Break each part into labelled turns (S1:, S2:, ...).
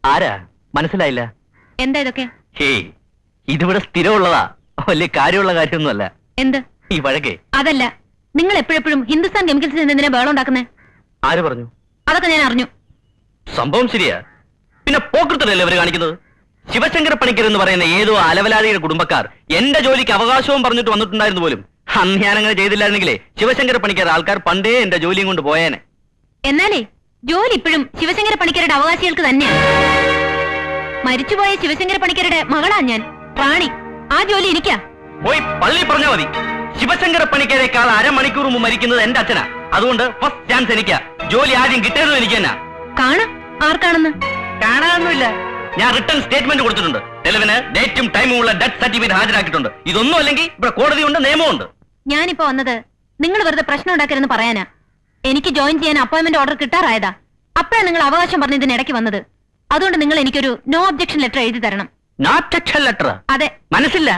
S1: ആരാ മനസ്സിലായില്ല?
S2: എന്താ ഇതൊക്കെ?
S1: ഹേയ്, ഇതിവിടെ സ്ഥിരമുള്ളതാ, വലിയ കാര്യമുള്ള കാര്യമൊന്നുമല്ല.
S2: എന്ത്
S1: ഈ വഴക്കേ?
S2: അതല്ല, നിങ്ങൾ എപ്പോഴെപ്പോഴും ഹിന്ദുസ്ഥാൻ കെമിക്കൽസിൽ എന്തിനാ ബഹളം ഉണ്ടാക്കുന്നേ?
S1: ആര് പറഞ്ഞു?
S2: അതൊക്കെ ഞാൻ അറിഞ്ഞു.
S1: സംഭവം ശരിയാ, പിന്നെ പോക്കൃത്തല്ലേ ഇവര് കാണിക്കുന്നത്? ശിവശങ്കര പണിക്കർ എന്ന് പറയുന്ന ഏതോ അലവലാതിയുടെ കുടുംബക്കാർ എന്റെ ജോലിക്ക് അവകാശവും പറഞ്ഞിട്ട് വന്നിട്ടുണ്ടായിരുന്നു പോലും. അന്ന് ഞാനങ്ങനെ ചെയ്തില്ലായിരുന്നെങ്കിലേ ശിവശങ്കര പണിക്കർ ആൾക്കാർ പണ്ടേ എന്റെ ജോലിയും കൊണ്ട് പോയേനെ.
S2: എന്നാലേ ജോലി ഇപ്പോഴും ശിവശങ്കര പണിക്കരുടെ അവകാശികൾക്ക് തന്നെയാണ്. മരിച്ചുപോയ ശിവശങ്കര പണിക്കരുടെ മകളാ ഞാൻ, റാണി. ആ ജോലി എനിക്കാ.
S1: പോയി പള്ളി പറഞ്ഞാ മതി. ശിവശങ്കര പണിക്കരേക്കാൾ അരമണിക്കൂർ മുമ്പ് മരിക്കുന്നത് എന്റെ അച്ഛനാ. അതുകൊണ്ട് ഫസ്റ്റ് ചാൻസ് എനിക്കാ. ജോലി ആദ്യം കിട്ടിയതും എനിക്ക് തന്നെ.
S2: കാണാം ആർക്കാണെന്ന്.
S1: കാണാനൊന്നുമില്ല, ഞാൻ റിട്ടേൺ സ്റ്റേറ്റ്മെന്റ് കൊടുത്തിട്ടുണ്ട്. തെളിവിന് ഡേറ്റും ടൈമും ഉള്ള ഡെത്ത് സർട്ടിഫിക്കറ്റ് ഹാജരാക്കിയിട്ടുണ്ട്. ഇതൊന്നും അല്ലെങ്കിൽ ഇവിടെ കോടതിയുണ്ട്, നിയമമുണ്ട്.
S2: ഞാനിപ്പോ വന്നത് നിങ്ങൾ വെറുതെ പ്രശ്നം ഉണ്ടാക്കരുതെന്ന് പറയാനാ. എനിക്ക് ജോയിൻ ചെയ്യാൻ അപ്പോയിന്റ്മെന്റ് ഓർഡർ കിട്ടാറായതാ. അപ്പോഴാണ് നിങ്ങൾ അവകാശം പറഞ്ഞതിന് ഇടയ്ക്ക് വന്നത്. അതുകൊണ്ട് നിങ്ങൾ എനിക്കൊരു നോ ഒബ്ജക്ഷൻ ലെറ്റർ എഴുതി തരണം.
S1: No objection letter?
S2: അതെ.
S1: മനസ്സില്ല?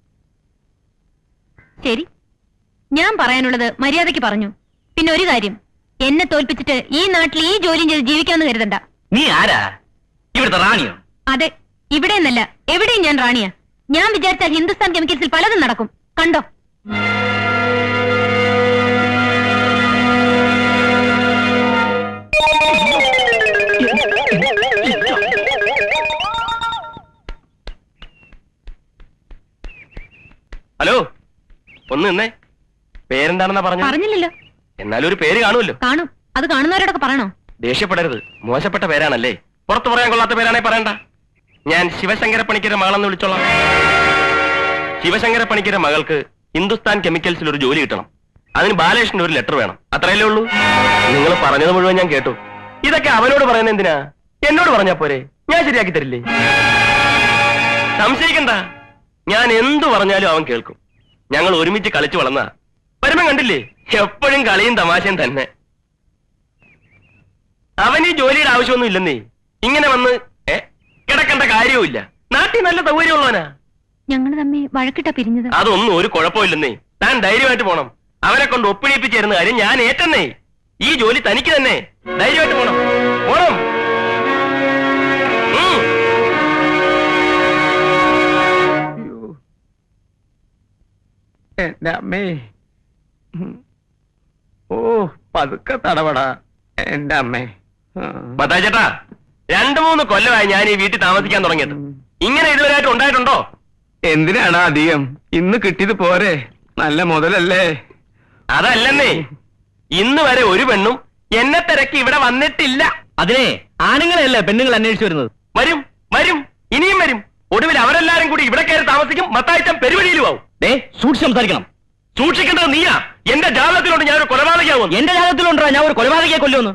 S2: ശരി, ഞാൻ പറയാനുള്ളത് മര്യാദയ്ക്ക് പറഞ്ഞു. പിന്നെ ഒരു കാര്യം, എന്നെ തോൽപ്പിച്ചിട്ട് ഈ നാട്ടിൽ ഈ ജോലിയും ചെയ്ത് ജീവിക്കാമെന്ന് കരുതണ്ട.
S1: നീ ആരാ? ഇവിടുത്തെ റാണിയോ?
S2: അതെ, ഇവിടെ നിന്നല്ല, എവിടെയും ഞാൻ റാണിയാ. ഞാൻ വിചാരിച്ചാൽ ഹിന്ദുസ്ഥാൻ കെമിക്കൽസിൽ പലതും നടക്കും. കണ്ടോ?
S3: ഹലോ, ഒന്ന് നിന്നേ. പേരെന്താണെന്നാ പറഞ്ഞു?
S2: പറഞ്ഞില്ലല്ലോ.
S3: എന്നാലും ഒരു പേര് കാണുമല്ലോ.
S2: കാണും, അത് കാണുന്നവരോടൊക്കെ പറയണോ?
S3: ദേഷ്യപ്പെടരുത്, മോശപ്പെട്ട പേരാണല്ലേ. പുറത്തു പറയാൻ കൊള്ളാത്ത പേരാണെ പറയണ്ട. ഞാൻ ശിവശങ്കര പണിക്കരുടെ മകളെന്ന് വിളിച്ചോളാം. ശിവശങ്കര പണിക്കരുടെ മകൾക്ക് ഹിന്ദുസ്ഥാൻ കെമിക്കൽസിൽ ഒരു ജോലി കിട്ടണം. അതിന് ബാലകൃഷ്ണന്റെ ഒരു ലെറ്റർ വേണം. അത്രയല്ലേ ഉള്ളൂ. നിങ്ങൾ പറഞ്ഞത് മുഴുവൻ ഞാൻ കേട്ടു. ഇതൊക്കെ അവനോട് പറയുന്നത് എന്തിനാ? എന്നോട് പറഞ്ഞാ പോരെ, ഞാൻ ശരിയാക്കി തരില്ലേ. സംശയിക്കണ്ട, ഞാൻ എന്തു പറഞ്ഞാലും അവൻ കേൾക്കും. ഞങ്ങൾ ഒരുമിച്ച് കളിച്ചു വളർന്ന വരുമ്പം കണ്ടില്ലേ, എപ്പോഴും കളിയും തമാശയും തന്നെ. അവന് ഈ ജോലിയുടെ ആവശ്യമൊന്നും ഇല്ലെന്നേ. ഇങ്ങനെ വന്ന് കിടക്കേണ്ട കാര്യവുമില്ല. നാട്ടിൽ നല്ല സൗകര്യമുള്ളവനാ.
S2: ഞങ്ങൾ തമ്മിൽ വഴക്കിട്ടാ പിരിഞ്ഞത്.
S3: അതൊന്നും ഒരു കുഴപ്പമില്ലെന്നേ. താൻ ധൈര്യമായിട്ട് പോണം. അവനെ കൊണ്ട് ഒപ്പിടിപ്പിച്ചിരുന്ന കാര്യം ഞാൻ ഏറ്റെന്നേ. ഈ ജോലി തനിക്ക് തന്നെ. ധൈര്യമായിട്ട് പോണം, പോണം.
S4: എന്റെ അമ്മേ, ഓ പതുക്കെ തടവടാ എന്റെ അമ്മേ.
S3: ചേട്ടാ, 2-3 കൊല്ലമായി ഞാൻ ഈ വീട്ടിൽ താമസിക്കാൻ തുടങ്ങിയത്. ഇങ്ങനെ ഇതുവരെയായിട്ട് ഉണ്ടായിട്ടുണ്ടോ?
S4: എന്തിനാണ് അധികം? ഇന്ന് കിട്ടിയത് പോരെ, നല്ല മുതലല്ലേ.
S3: അതല്ലെന്നേ, ഇന്ന് വരെ ഒരു പെണ്ണും എന്നെ തിരക്കി ഇവിടെ വന്നിട്ടില്ല.
S1: അതിനെ ആണുങ്ങളെയല്ലേ പെണ്ണുങ്ങൾ അന്വേഷിച്ചു വരുന്നത്.
S3: വരും വരും, ഇനിയും വരും. ഒടുവിൽ അവരെല്ലാരും കൂടി ഇവിടെ കയറി താമസിക്കും. മത്തായിച്ചൻ പെരുവഴിയിലും ആവും.
S1: സൂക്ഷിച്ച് സംസാരിക്കണം.
S3: സൂക്ഷിക്കേണ്ടത് നീയാ. എന്റെ ജാതകത്തിലുണ്ട് ഞാൻ ഒരു കൊലപാതകയാവും.
S1: എന്റെ ജാതകത്തിലുണ്ടോ ഞാൻ ഒരു കൊലപാതകയെ കൊല്ലുമെന്ന്?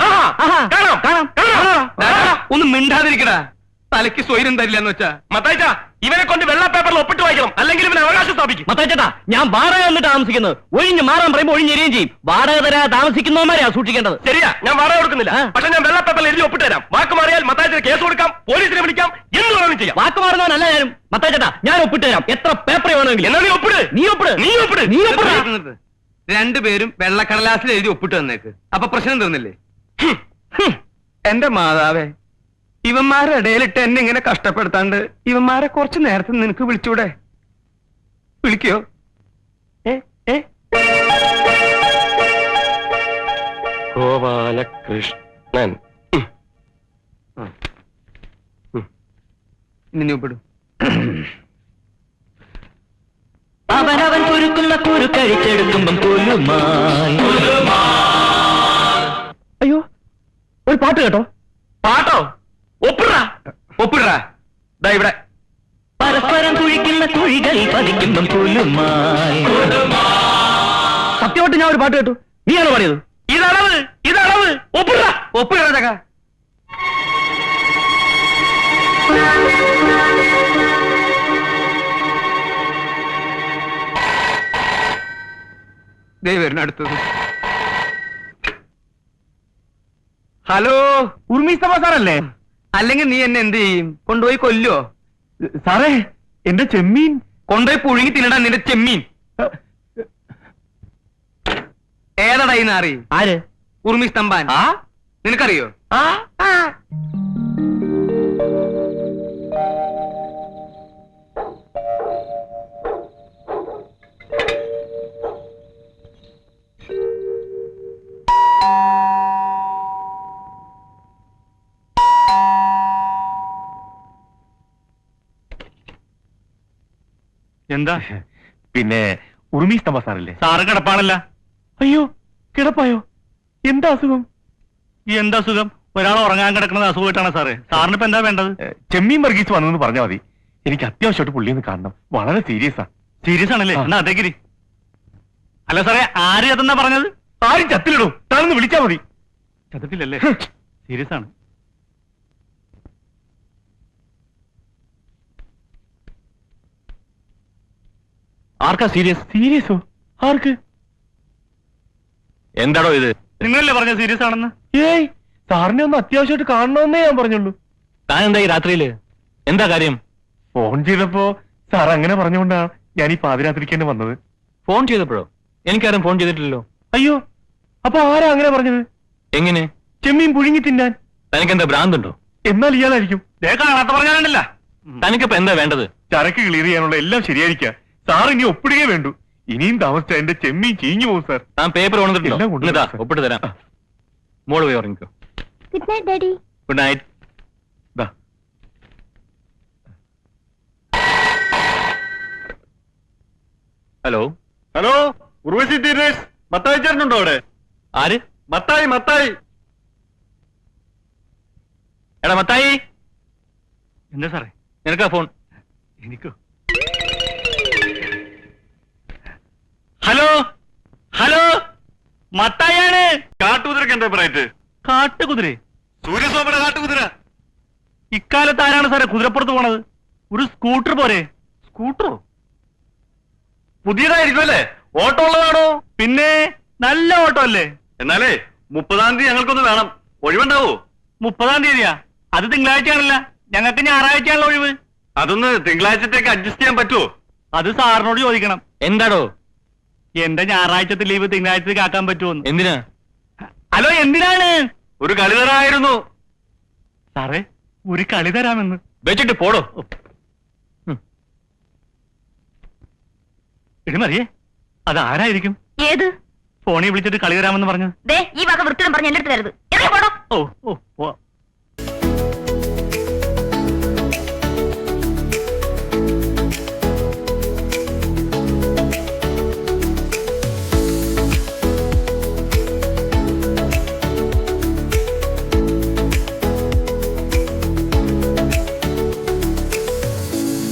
S4: ഒന്ന് മിണ്ടാതിരിക്കടാ, തലയ്ക്ക് സ്വൈര്യം തരില്ലെന്ന് വെച്ചാ.
S3: മത്തായിച്ച, ഇവനെ കൊണ്ട് വെള്ള പേപ്പറിൽ ഒപ്പിട്ട് വായിക്കണം, അല്ലെങ്കിൽ ഇവനെ അവകാശം സ്ഥാപിക്കും.
S1: മത്തായിച്ചേട്ടാ, ഞാൻ വാടക വന്നിട്ട് താമസിക്കുന്നത്. ഒഴിഞ്ഞ് മാറാൻ പറയുമ്പോൾ ഒഴിഞ്ഞെരിയും ചെയ്യും. വാടക തരാ താമസിക്കുന്നവന്മാരെയാ സൂക്ഷിക്കേണ്ടത്.
S3: ശരിയാ, ഞാൻ വാടക കൊടുക്കുന്നില്ല. പക്ഷെ ഞാൻ വെള്ള പേപ്പറിൽ എഴുതി ഒപ്പിട്ട് തരാം. വാക്ക് മാറിയാൽ മത്തായിച്ചിന് കേസ് കൊടുക്കാം, പോലീസിനെ വിളിക്കാം, എന്ത് വേണമെങ്കിലും ചെയ്യാം.
S1: വാക്ക് മാറുന്നവനല്ല ഞാനും. മത്തായിച്ചേട്ടാ, ഞാൻ ഒപ്പിട്ട് തരാം. എത്ര പേപ്പർ വേണമെങ്കിലും.
S3: എന്നാ നീ ഒപ്പിട്.
S1: നീ ഒപ്പിട്.
S3: നീ ഒപ്പിട്.
S1: നീ ഒപ്പിട്.
S4: രണ്ടുപേരും വെള്ളക്കടലാസിൽ എഴുതി ഒപ്പിട്ട് തന്നേക്ക്. അപ്പൊ പ്രശ്നം തീർന്നില്ലേ? എന്റെ മാതാവേ, ഇവന്മാരുടെ ഇടയിലിട്ട് എന്നെ ഇങ്ങനെ കഷ്ടപ്പെടുത്താണ്ട് ഇവന്മാരെ കുറച്ച് നേരത്തെ നിനക്ക് വിളിച്ചൂടെ? വിളിക്കോ?
S3: ഗോപാലകൃഷ്ണൻ
S4: നിന്നെ ഒപ്പിടും.
S1: അവനവൻ കുരുക്കുന്ന കുരു കഴിച്ചെടുക്കുമ്പം കൊല്ലുമായി. അയ്യോ, ഒരു പാട്ട് കേട്ടോ.
S3: പാട്ടോ? ഒപ്പിടാ ഒപ്പിടാ. ഇവിടെ
S1: പരസ്പരം കുഴിക്കുന്ന കുഴികൾ പതിക്കുമ്പം കൊല്ലുമായി. സത്യമായിട്ട് ഞാൻ ഒരു പാട്ട് കേട്ടു. നീയാണോ പാടിയത്?
S3: ഇതളവ്, ഇതളവ്. ഒപ്പിടാ
S4: ഒപ്പിടാ ചക്ക. ദൈവം അടുത്തത്. ഹലോ, ഉർമിസ്തഫ സാറല്ലേ? അല്ലെങ്കിൽ നീ എന്നെ എന്ത് ചെയ്യും? കൊണ്ടുപോയി കൊല്ലോ? സാറേ, എന്റെ ചെമ്മീൻ കൊണ്ടുപോയി പുഴുങ്ങി തിന്നടാ. നിന്റെ ചെമ്മീൻ ഏതടാ ഈ നാറി?
S1: ആര്?
S4: ഉർമിസ്തംബാൻ. നിനക്കറിയോ? എന്താ?
S3: പിന്നെ ഉറുമീസ് തമ്പ സാറില്ലേ?
S4: സാറ് കിടപ്പാണല്ല.
S3: അയ്യോ, കിടപ്പായോ? എന്താ അസുഖം?
S4: എന്താ അസുഖം? ഒരാൾ ഉറങ്ങാൻ കിടക്കുന്നത് അസുഖമായിട്ടാണ് സാറേ. സാറിന് ഇപ്പൊ എന്താ വേണ്ടത്?
S3: ചെമ്മീൻ വർഗീസ് വന്നെന്ന് പറഞ്ഞാൽ മതി. എനിക്ക് അത്യാവശ്യമായിട്ട് പുള്ളിയൊന്ന് കാണണം. വളരെ സീരിയസാ.
S4: സീരിയസ് ആണല്ലേ? എന്നാ അതേക്കിരി. അല്ല സാറേ, ആര് ചത്തെന്നാ പറഞ്ഞത്?
S3: ആരും ചത്തിലിടൂ, താനൊന്ന് വിളിച്ചാ മതി.
S4: ചത്തിട്ടില്ലല്ലേ? സീരിയസ് ആണ്.
S3: ആർക്കാ സീരിയസ്? സീരിയസോ? ആർക്ക്? എന്താടോ ഇത്?
S4: നിങ്ങളല്ലേ പറഞ്ഞ സീരിയസ് ആണെന്ന്?
S3: ഏയ്, സാറിനെ ഒന്ന് അത്യാവശ്യമായിട്ട് കാണണമെന്നേ ഞാൻ പറഞ്ഞുള്ളൂ. താൻ എന്താ ഈ രാത്രിയില്? എന്താ കാര്യം? ഫോൺ ചെയ്തപ്പോ സാർ അങ്ങനെ പറഞ്ഞുകൊണ്ടാ ഞാൻ ഈ പാതിരാത്രിക്ക് തന്നെ വന്നത്. ഫോൺ ചെയ്തപ്പോഴോ? എനിക്കാരും ഫോൺ ചെയ്തിട്ടില്ലല്ലോ. അയ്യോ, അപ്പൊ ആരാ അങ്ങനെ പറഞ്ഞത്? എങ്ങനെ? ചെമ്മീൻ പുഴുങ്ങി തിന്നാൻ. തനിക്കെന്താ ഭ്രാന്തുണ്ടോ? എന്നാൽ ഇയാളായിരിക്കും.
S4: കാണാത്ത പറഞ്ഞാലുണ്ടല്ല.
S3: തനിക്കിപ്പോ എന്താ വേണ്ടത്? ചരക്ക് ക്ലിയർ ചെയ്യാനുള്ള എല്ലാം ശരിയായിരിക്കാം. സാർ ഇനി ഒപ്പിടുകയേ വേണ്ടു. ഇനിയും താമസിച്ച എന്റെ ചെമ്മീൻ ചീഞ്ഞു പോകും സാർ. താൻ പേപ്പർ കൊണ്ടിട്ടില്ല, ഒപ്പിട്ട് തരാം. മോള് പോയി ഉറങ്ങിക്കോ.
S2: Good night daddy.
S3: Good night. Hello
S4: hello, Urvashi theatres. Mathai ചേട്ടനുണ്ടോ അവിടെ?
S3: ആര്?
S4: മത്തായി, മത്തായി.
S3: എടാ മത്തായി,
S4: എന്താ സാറേ?
S3: നിനക്കാ ഫോൺ.
S4: എനിക്കോ? ഹലോ ഹലോ, മത്തായാണ്.
S3: കാട്ടുകുതിരക്ക് എന്താ പറയറ്റ്?
S4: കാട്ടുകുതിര?
S3: സൂര്യസോമയുടെ കാട്ടുകുതിര.
S4: ഇക്കാലത്ത് ആരാണ് സാറേ കുതിരപ്പുറത്ത് പോണത്? ഒരു സ്കൂട്ടർ പോരെ?
S3: സ്കൂട്ടറോ? പുതിയതായിരിക്കും അല്ലേ? ഓട്ടോ ഉള്ളതാണോ?
S4: പിന്നെ നല്ല ഓട്ടോ അല്ലേ?
S3: എന്നാലേ 30-ാം തീയതി ഞങ്ങൾക്കൊന്ന് വേണം. ഒഴിവുണ്ടാവോ?
S4: 30-ാം തീയതിയാ? അത് തിങ്കളാഴ്ചയാണല്ല. ഞങ്ങൾക്ക് ഞായറാഴ്ചയാണല്ലോ ഒഴിവ്.
S3: അതൊന്ന് തിങ്കളാഴ്ചത്തേക്ക് അഡ്ജസ്റ്റ് ചെയ്യാൻ പറ്റുമോ?
S4: അത് സാറിനോട് ചോദിക്കണം.
S3: എന്താടോ?
S4: എന്റെ ഞായറാഴ്ചത്തെ ലീവ് തിങ്കളാഴ്ചത്തേക്ക് ആക്കാൻ പറ്റുമോന്ന്.
S3: എന്തിനാ?
S4: ഹലോ, എന്തിനാണ്?
S3: ഒരു കളി തരായിരുന്നു.
S4: സാറേ, ഒരു കളി തരാമെന്ന്.
S3: വെച്ചിട്ട് പോടോ.
S4: ഇടിമറിയേ, അതാരായിരിക്കും?
S2: ഏത്?
S4: ഫോണിൽ വിളിച്ചിട്ട് കളി തരാമെന്ന് പറഞ്ഞത്.
S2: ഈ വക വൃത്തിയും പറഞ്ഞ് എന്റെ അടുത്ത് തരുത്.
S4: ഓ ഓ